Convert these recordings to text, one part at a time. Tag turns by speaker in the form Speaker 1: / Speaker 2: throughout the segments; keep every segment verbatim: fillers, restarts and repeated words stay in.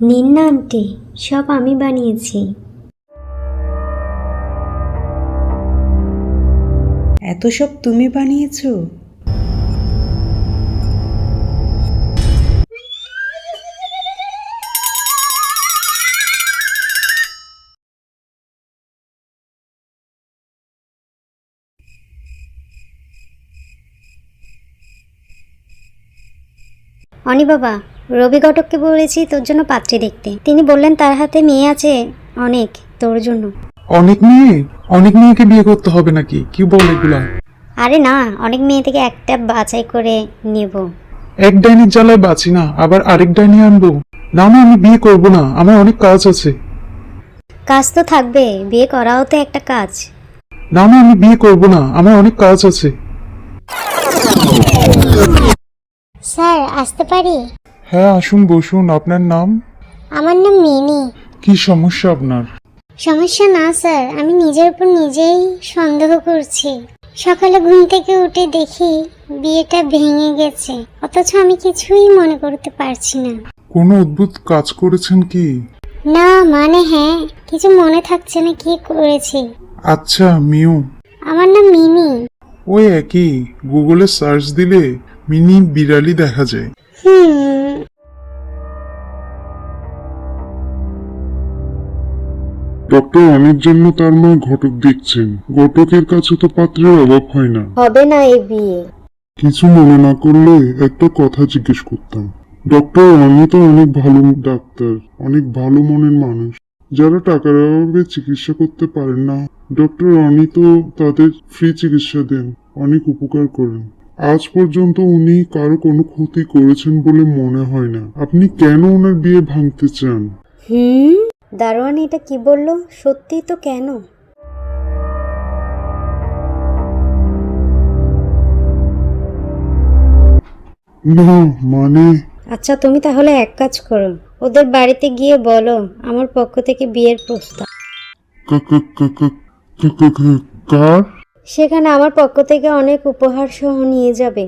Speaker 1: নিন না আন্টি, সব আমি বানিয়েছি।
Speaker 2: এত সব তুমি বানিয়েছো?
Speaker 1: অনি বাবা, রবি ঘটককে বলেছি তোর জন্য পাত্রী দেখতে। তিনি বললেন তার হাতে মেয়ে আছে অনেক, তোর জন্য।
Speaker 3: অনেক মেয়ে? অনেক মেয়েকে বিয়ে করতে হবে নাকি? কি বল এগুলা?
Speaker 1: আরে না, অনেক মেয়ে থেকে একটা বাছাই করে নেব।
Speaker 3: এক ডাইনির জ্বালায় বাঁচি না, আবার আরেক ডাইনি আনবো? না না, আমি বিয়ে করব না, আমার অনেক কাজ আছে।
Speaker 1: কাজ তো থাকবে, বিয়ে করাও তো একটা কাজ।
Speaker 3: না না, আমি বিয়ে করব না, আমার অনেক কাজ আছে।
Speaker 1: স্যার, আসতে পারি?
Speaker 3: হ্যাঁ আসুন, বসুন। আপনার নাম?
Speaker 1: আমার নাম মিনি।
Speaker 3: কি সমস্যা আপনার?
Speaker 1: সমস্যা না স্যার, আমি নিজের উপর নিজেই সন্দেহ করছি। সকালে ঘুম থেকে উঠে দেখি বিয়েটা ভেঙে গেছে, অথচ আমি কিছুই মনে করতে পারছি না।
Speaker 3: কোনো অদ্ভুত কাজ করেছেন কি?
Speaker 1: না মানে হ্যাঁ, কিছু মনে থাকছে না কি করেছি।
Speaker 3: আচ্ছা মিউ।
Speaker 1: আমার নাম মিনি।
Speaker 3: ওই একই, গুগলে সার্চ দিলে মিনি বিড়ালি দেখা যায়।
Speaker 1: হুম।
Speaker 4: ডক্টর অনেক জন্য তার মা ঘটক দেখছেন। ঘটকের কাছে তো পাত্রের অভাব হয় না।
Speaker 1: হবে না এই বিয়ে।
Speaker 4: কিছু মনে না করলে একটা কথা জিজ্ঞেস করতাম। ডক্টর আমি তো অনেক ভালো ডাক্তার, অনেক ভালো মনের মানুষ। যারা টাকার অভাবে চিকিৎসা করতে পারেন না, ডক্টর অনি তো তাদের ফ্রি চিকিৎসা দেন, অনেক উপকার করেন। আজ পর্যন্ত উনি কারো কোনো ক্ষতি করেছেন বলে মনে হয় না। আপনি কেন ওনার বিয়ে ভাঙতে চান?
Speaker 1: হুম, দারোয়ান এটা কি বললো? সত্যি তো? কেন?
Speaker 4: না মানে
Speaker 1: আচ্ছা, তুমি তাহলে এক কাজ করো, ওদের বাড়িতে গিয়ে বলো আমার পক্ষ থেকে বিয়ের প্রস্তাব।
Speaker 4: কা- কা- কা- কা- কা- কা- কা- কার?
Speaker 1: সেখানে আমার পক্ষ থেকে অনেক উপহার সহ নিয়ে যাবে।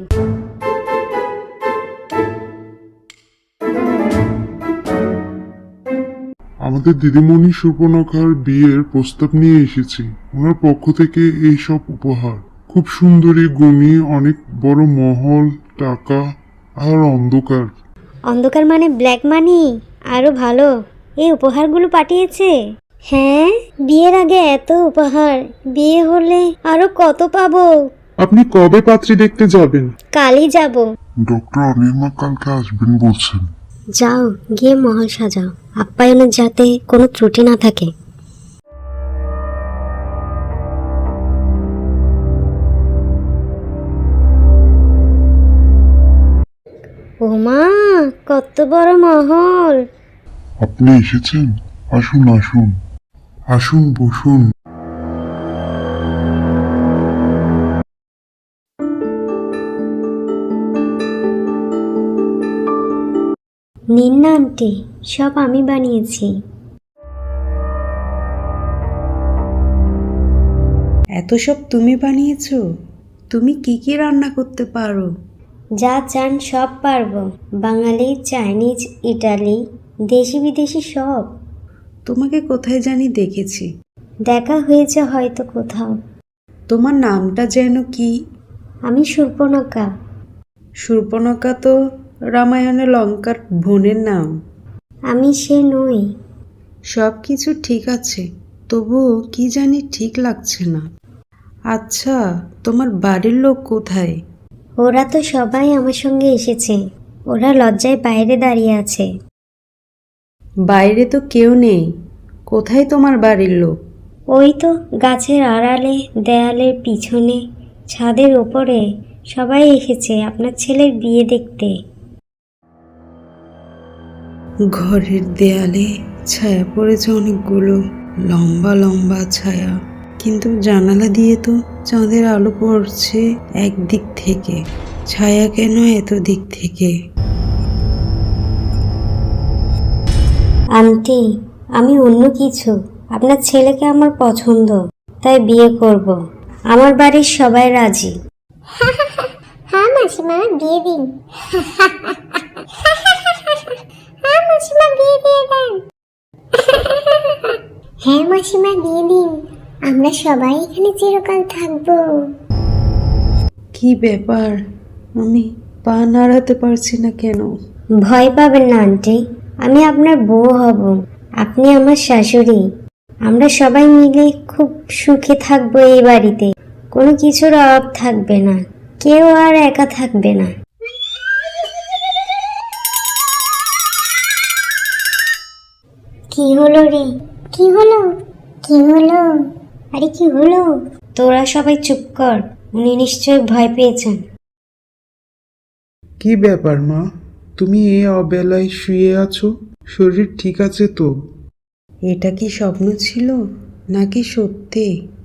Speaker 4: আমাদের দিদিমণি সুর্পনখার বিয়ের প্রস্তাব নিয়ে এসেছি। ওনার পক্ষ থেকে এই সব উপহার। খুব সুন্দরী, গুণী, অনেক বড় মহল, টাকা আর অন্ধকার।
Speaker 1: অন্ধকার মানে ব্ল্যাক মানি? আরো ভালো, এই উপহারগুলো পাঠিয়েছে। হ্যাঁ, বিয়ের আগে এত উপহার, বিয়ে হলে আরো কত পাবো।
Speaker 3: আপনি কবে পাত্রী দেখতে যাবেন?
Speaker 1: কালই যাব।
Speaker 4: ডক্টর অনির্মা কালকে আসবেন বলছেন।
Speaker 1: যাও, গিয়ে মহল সাজাও, আপ্যায়নের যাতে কোনো ত্রুটি না থাকে। ওমা, কত বড় মহল!
Speaker 4: আপনি এসেছেন? আসুন আসুন আসুন, বসুন।
Speaker 1: নিন না আন্টি, সব আমি বানিয়েছি।
Speaker 2: এত সব তুমি বানিয়েছো? তুমি কি কি রান্না করতে পারো?
Speaker 1: যা চান সব পারবো, বাঙালি, চাইনিজ, ইটালি, দেশি বিদেশি সব।
Speaker 2: তোমাকে কোথায় জানি দেখেছি।
Speaker 1: দেখা হয়েছে হয়তো কোথাও।
Speaker 2: তোমার নামটা যেন কি?
Speaker 1: আমি সুর্পনখা।
Speaker 2: শূর্পণখা তো রামায়ণে লঙ্কার বোনের নাম।
Speaker 1: আমি সে নই।
Speaker 2: সব কিছু ঠিক আছে, তবুও কি জানি ঠিক লাগছে না। আচ্ছা, তোমার বাড়ির লোক কোথায়?
Speaker 1: ওরা তো সবাই আমার সঙ্গে এসেছে, ওরা লজ্জায় বাইরে দাঁড়িয়ে আছে।
Speaker 2: বাইরে তো কেউ নেই, কোথায় তোমার বাড়ির লোক?
Speaker 1: ওই তো গাছের আড়ালে, দেয়ালের পিছনে, ছাদের ওপরে সবাই এসেছে আপনার ছেলের বিয়ে দেখতে।
Speaker 2: ঘরের দেয়ালে ছায়া পড়েছে অনেকগুলো, লম্বা লম্বা ছায়া, কিন্তু জানালা দিয়ে তো চাঁদের আলো পড়ছে একদিক থেকে। ছায়া কেন এত দিক থেকে?
Speaker 1: আন্টি, আমি অন্য কিছু, আপনার ছেলেকে আমার পছন্দ, তাই বিয়ে করব। আমার বাড়ির সবাই রাজি। হ্যাঁ মাসিমা, বিয়ে দিন। হ্যাঁ মাসিমা, বিয়ে দিয়ে মাসিমা দিয়ে দিন, আমরা সবাই এখানে চিরকাল থাকবো।
Speaker 2: কি ব্যাপার, আমি পা নাড়াতে পারছি না কেন?
Speaker 5: ভয় পাবেন না আন্টি, আমি আপনার বউ হব, আপনি আমার শাশুড়ি। আমরা সবাই মিলে খুব সুখে থাকবো এই বাড়িতে, কোনো কিছুর অভাব থাকবে না, কেউ আর একা থাকবে না।
Speaker 1: কি হলো রে? কি হলো? কি হলো? আরে কি হলো?
Speaker 5: তোরা সবাই চুপ কর, উনি নিশ্চয়ই ভয় পেয়েছেন।
Speaker 3: কি ব্যাপার মা, তুমি এই অবেলায় শুয়ে আছো? শরীর ঠিক আছে তো?
Speaker 2: এটা কি স্বপ্ন ছিল নাকি সত্যি?